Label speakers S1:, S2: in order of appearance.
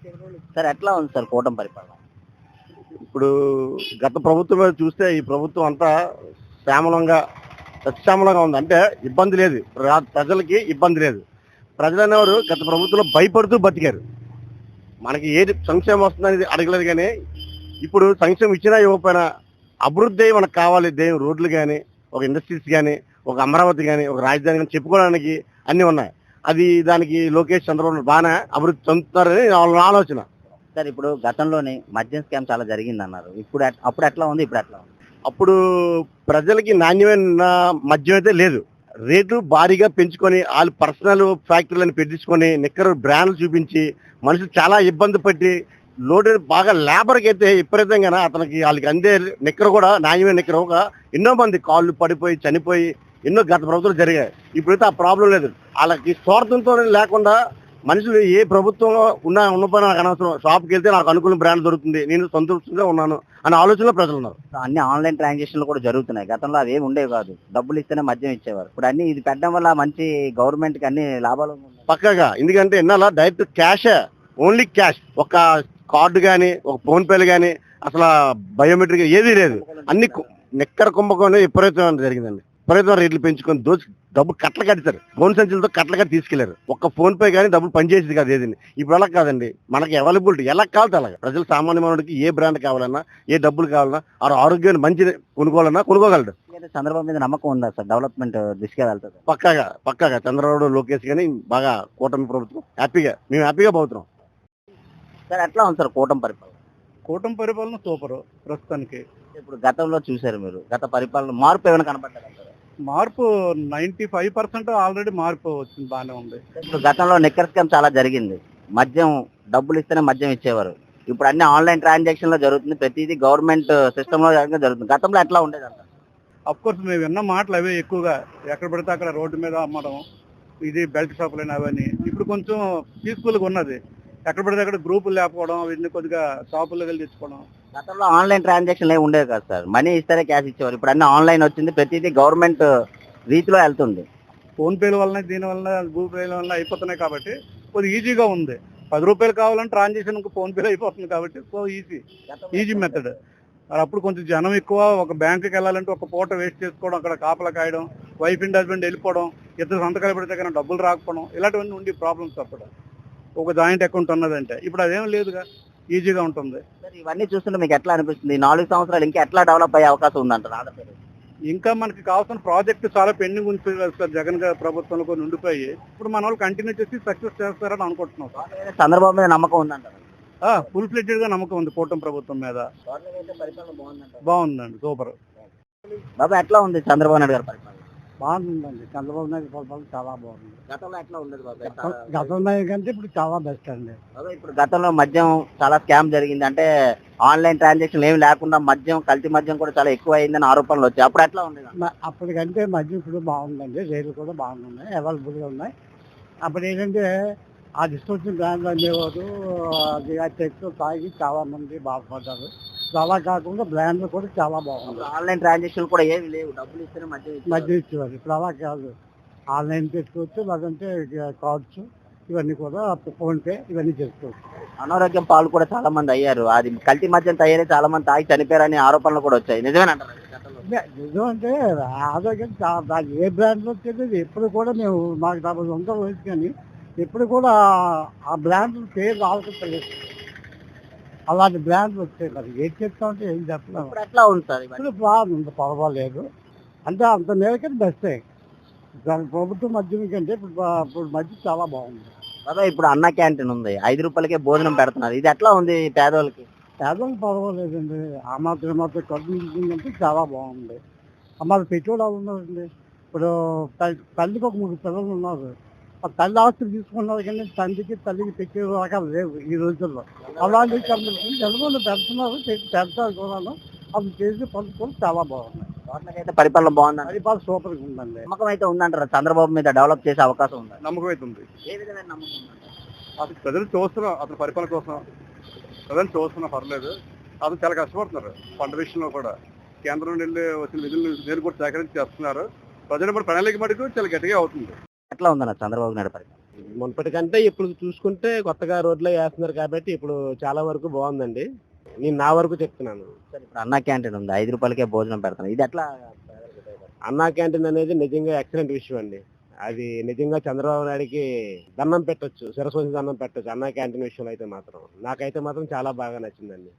S1: Sir ఎట్లా ఉంది sir కూటమి పరిపాలన?
S2: ఇప్పుడు గత ప్రభుత్వం మీద చూస్తే ఈ ప్రభుత్వం అంతా శ్యామలంగా సత్యామలంగా ఉంది. అంటే ఇబ్బంది లేదు, ప్రజలకి ఇబ్బంది లేదు. ప్రజలు అనేవారు గత ప్రభుత్వంలో భయపడుతూ బతికారు. మనకి ఏది సంక్షేమం వస్తుందనేది అడగలేదు. కానీ ఇప్పుడు సంక్షేమం ఇచ్చినా ఇవ్వకపోయినా అభివృద్ధి మనకు కావాలి. రోడ్లు కానీ, ఒక ఇండస్ట్రీస్ కానీ, ఒక అమరావతి కానీ, ఒక రాజధాని కానీ చెప్పుకోవడానికి అన్నీ ఉన్నాయి. అది దానికి లోకేష్ చంద్రబాబు బాగానే అభివృద్ధి చెందుతున్నారని వాళ్ళ ఆలోచన.
S1: సార్ ఇప్పుడు గతంలోనే మద్యం స్కామ్ చాలా జరిగింది అన్నారు. అప్పుడు ఎట్లా ఉంది, ఇప్పుడు ఎట్లా ఉంది?
S2: అప్పుడు ప్రజలకి నాణ్యమైన మద్యం అయితే లేదు. రేట్లు భారీగా పెంచుకొని వాళ్ళు పర్సనల్ ఫ్యాక్టరీలను పెట్టించుకొని నిక్కరు బ్రాండ్లు చూపించి మనుషులు చాలా ఇబ్బంది పట్టి లోటు బాగా లేబర్కి అయితే విపరీతంగా అతనికి వాళ్ళకి అందే నిక్కర కూడా నాణ్యమైన నిక్కర ఒక ఎన్నో మంది కాళ్ళు పడిపోయి చనిపోయి ఎన్నో గత ప్రభుత్వాలు జరిగాయి. ఇప్పుడైతే ఆ ప్రాబ్లం లేదు. వాళ్ళకి స్వార్థంతో లేకుండా మనుషులు ఏ ప్రభుత్వం ఉన్న పని నాకు అనవసరం, షాప్కి వెళ్తే నాకు అనుకున్న బ్రాండ్ దొరుకుతుంది, నేను సంతృప్తిగా ఉన్నాను అనే ఆలోచనలో ప్రజలు ఉన్నారు.
S1: అన్ని ఆన్లైన్ ట్రాన్సాక్షన్లు కూడా జరుగుతున్నాయి. గతంలో అవి ఏమి ఉండేవి కాదు, డబ్బులు ఇస్తేనే మద్యం ఇచ్చేవారు. ఇప్పుడు అన్ని ఇది పెట్టడం వల్ల మంచి గవర్నమెంట్ కి అన్ని లాభాలు ఉన్నాయి.
S2: పక్కగా ఎందుకంటే ఎన్నాళ్ళ డైరెక్ట్ క్యాష్, ఓన్లీ క్యాష్, ఒక కార్డు కానీ ఒక ఫోన్ పేలు కానీ అసలు బయోమెట్రిక్ ఏదీ లేదు. అన్ని నిక్కర కుంభకోణం విపరీతం జరిగిందండి. విపరీతం రేట్లు పెంచుకొని దోచి డబ్బులు కట్టలు కట్టారు. ఫోన్ సంచులతో కట్టలు కట్టి తీసుకెళ్లారు. ఒక్క ఫోన్ పే కానీ డబ్బులు పనిచేసేది కాదు ఏదండి. ఇప్పుడు అలా కాదండి, మనకి అవైలబిలిటీ ఎలా కావాలి అలాగే. ప్రజలు సామాన్య మానవుడికి ఏ బ్రాండ్ కావాలన్నా, ఏ డబ్బులు కావాలన్నా, ఆ ఆరోగ్యాన్ని మంచి కొనుక్కోవాలన్నా కొనుక్కోగలడు.
S1: చంద్రబాబు మీద నమ్మకం ఉందా సార్? డెవలప్మెంట్ దిశగా వెళ్తుంది
S2: పక్కాగా చంద్రబాబు లోకేష్ కానీ బాగా కూటమి ప్రభుత్వం మేము హ్యాపీగా పోతున్నాం.
S1: సార్ ఎట్లా ఉంది సార్ కూటమి పరిపాలన?
S3: కూటమి పరిపాలన సూపర్ ప్రస్తుతానికి.
S1: ఇప్పుడు గతంలో చూసారు మీరు, గత పరిపాలన మార్పు ఏమైనా కనపడ్డారు?
S3: మార్పు 95% ఆల్రెడీ మార్పు వచ్చింది, బాగానే ఉంది.
S1: ఇప్పుడు గతంలో నిక్కర్ స్కామ్ చాలా జరిగింది. మద్యం డబ్బులు ఇస్తేనే మద్యం ఇచ్చేవారు. ఇప్పుడు అన్ని ఆన్లైన్ ట్రాన్సాక్షన్ లో జరుగుతుంది. ప్రతిదీ గవర్నమెంట్ సిస్టమ్ లో జరుగుతుంది. గతంలో ఎట్లా ఉండేది అంట?
S3: అఫ్ కోర్స్ మేము విన్న మాటలు అవే ఎక్కువగా, ఎక్కడ పడితే అక్కడ రోడ్డు మీద అమ్మడం, ఇది బెల్ట్ షాపులు అవన్నీ. ఇప్పుడు కొంచెం పీస్ఫుల్గా ఉన్నది. ఎక్కడ పడితే అక్కడ గ్రూపులు లేకపోవడం, వీటిని కొద్దిగా షాపుల్లో వెళ్ళి తెచ్చుకోవడం.
S1: గతంలో ఆన్లైన్ ట్రాన్సాక్షన్ ఏమి ఉండేవి కాదు సార్, మనీ ఇస్తేనే క్యాష్ ఇచ్చేవారు. ఇప్పుడు అన్ని ఆన్లైన్ వచ్చింది, ప్రతిదీ గవర్నమెంట్ రీతిలో వెళ్తుంది.
S3: ఫోన్ పేల వలన, దీని వలన, గూగుల్ పేల వలన అయిపోతున్నాయి కాబట్టి కొద్దిగా ఈజీగా ఉంది. 10 రూపాయలు కావాలంటే ట్రాన్సాక్షన్ ఫోన్ పేలో అయిపోతుంది కాబట్టి సో ఈజీ మెథడ్. మరి అప్పుడు కొంచెం జనం ఎక్కువ, ఒక బ్యాంకుకి వెళ్ళాలంటే ఒక పూట వేస్ట్ చేసుకోవడం, అక్కడ కాపలా కాయడం, వైఫ్ అండ్ హస్బెండ్ వెళ్ళిపోవడం, ఇద్దరు సంతకాలు పెడితే కానీ డబ్బులు రాకపోవడం, ఇలాంటివన్నీ ఉండి ప్రాబ్లమ్స్ అప్పుడు. ఒక జాయింట్ అకౌంట్ ఉన్నదంటే ఇప్పుడు అదేం లేదుగా, ఈజీగా ఉంటుంది.
S1: ఇవన్నీ చూస్తుంటే మీకు ఎట్లా అనిపిస్తుంది? 4 సంవత్సరాలు ఇంకా ఎట్లా డెవలప్ అయ్యే అవకాశం ఉందంటారు?
S3: ఇంకా మనకి కావాల్సిన ప్రాజెక్ట్ చాలా పెండింగ్ ఉంది సార్. జగన్ గారి ప్రభుత్వంలో కొన్ని ఉండిపోయి ఇప్పుడు మన వాళ్ళు కంటిన్యూ చేసి సక్సెస్ చేస్తారని అనుకుంటున్నాం.
S1: చంద్రబాబు మీద నమ్మకం ఉందంటారు?
S3: ఫుల్ ఫ్లెడ్జెడ్ గా నమ్మకం ఉంది కూటమి ప్రభుత్వం మీద. బాగుందండి, సూపర్.
S1: బాబా ఎట్లా ఉంది చంద్రబాబు నాయుడు గారి పరిపాలన?
S3: బాగుందండి, చంద్రబాబు నాయుడు పరిపాలన చాలా బాగుంది.
S1: గతంలో ఎట్లా ఉండేది బాబా?
S3: గతంలో కంటే ఇప్పుడు చాలా బెస్ట్ అండి.
S1: ఇప్పుడు గతంలో మద్యం చాలా స్కామ్ జరిగింది, అంటే ఆన్లైన్ ట్రాన్సాక్షన్ ఏమి లేకుండా మద్యం, కల్తీ మద్యం కూడా చాలా ఎక్కువ అయిందని ఆరోపణలు వచ్చాయి. అప్పుడు ఎట్లా ఉండేది?
S3: అప్పటికంటే మద్యం ఇప్పుడు బాగుందండి, రేట్లు కూడా బాగున్నాయి, అవైలబుల్గా ఉన్నాయి. అప్పుడు ఏంటంటే ఆ డిస్ట్రిబ్యూషన్ బ్రాండ్లు అనేవారు, అది తెచ్చు తాగి చాలా మంది బాధపడ్డారు. అలా కాకుండా బ్రాండ్లు కూడా చాలా బాగుంది.
S1: ఆన్లైన్ ట్రాన్సాక్షన్ కూడా ఏమి లేవు, డబ్బులు ఇస్తేనే
S3: మధ్య ఇచ్చేవారు. ఇప్పుడు అలా కాదు, ఆన్లైన్ చేసుకోవచ్చు, లేదంటే కార్డ్స్ ఇవన్నీ కూడా, ఫోన్ పే ఇవన్నీ చేసుకోవచ్చు.
S1: అనారోగ్యం పాలు కూడా చాలా మంది అయ్యారు. అది కల్తీ మద్యం తయారై చాలా మంది తాగి చనిపోయారని ఆరోపణలు కూడా వచ్చాయి. నిజమేనంటారు?
S3: నిజం అంటే ఆరోగ్యం దాని ఏ బ్రాండ్లో తెలియదు. ఎప్పుడు కూడా మేము మాకు 40 సంవత్సరాలు వయసు, కానీ ఎప్పుడు కూడా ఆ బ్రాండ్ పేరు ఆలోచించలేదు. అలాంటి బ్రాండ్లు వచ్చాయి. మరి ఏం చెప్తామంటే ఏం చెప్పలేము.
S1: ఎట్లా ఉంది సార్?
S3: ఇప్పుడు బాగుంది, పర్వాలేదు. అంటే అంత మేరకే బెస్టే. దాని ప్రభుత్వం మద్యం కంటే ఇప్పుడు మధ్య చాలా బాగుంది.
S1: అదే ఇప్పుడు అన్న క్యాంటీన్ ఉంది, 5 రూపాయలకే భోజనం పెడుతున్నారు. ఇది ఎట్లా ఉంది పేదోళ్ళకి?
S3: పేదోళ్ళకి పర్వాలేదండి. ఆ మాత్రం ఖర్చు అంటే చాలా బాగుంది. అమ్మాయి పెట్టుబడి వాళ్ళు ఉన్నారండి. ఇప్పుడు తల్లికి ఒక 3 పిల్లలు ఉన్నారు. ఆ తల్లి ఆస్తులు తీసుకున్నారు, కానీ తండ్రికి తల్లికి పెట్టే రకాలు లేవు ఈ రోజుల్లో. అలాంటి జనగొండ పెడుతున్నారు, పెడతారు కూడా. అది చేసి పనులు చాలా బాగున్నాయి.
S1: అయితే పరిపాలన బాగుంది,
S3: పరిపాలన సూపర్గా ఉందండి.
S1: నమ్మకం అయితే ఉందంటారా చంద్రబాబు మీద డెవలప్ చేసే అవకాశం ఉంది?
S3: నమ్మకం అయితే ఉంది.
S1: ఏ విధమైన నమ్మకం ఉందంటారు?
S3: అసలు ప్రజలు చూస్తున్నాం, అతని పరిపాలన కోసం ప్రజలు చూస్తున్నా, పర్లేదు. అతను చాలా కష్టపడుతున్నారు పంట విషయంలో కూడా. కేంద్రం నుండి వచ్చిన నిధులు నేను కూడా సేకరించి చేస్తున్నారు. ప్రజలు ప్రణాళిక మటుకు చాలా గట్టిగా అవుతుంది.
S1: ఎట్లా ఉందన్న చంద్రబాబు నాయుడు పరిపాలన?
S2: మునుపటికంటే ఇప్పుడు చూసుకుంటే కొత్తగా రోడ్లు వేస్తున్నారు కాబట్టి ఇప్పుడు చాలా వరకు బాగుందండి. నేను నా వరకు చెప్తున్నాను.
S1: సార్ ఇప్పుడు అన్నా క్యాంటీన్ ఉంది, 5 రూపాయలకే భోజనం పెడతాను, ఇది ఎట్లా?
S2: అన్నా క్యాంటీన్ అనేది నిజంగా ఎక్సలెంట్ విషయం అండి. అది నిజంగా చంద్రబాబు నాయుడికి దండం పెట్టొచ్చు, శిరస్సు వంచి దండం పెట్టొచ్చు. అన్నా క్యాంటీన్ విషయంలో అయితే మాత్రం నాకైతే మాత్రం చాలా బాగా నచ్చిందండి.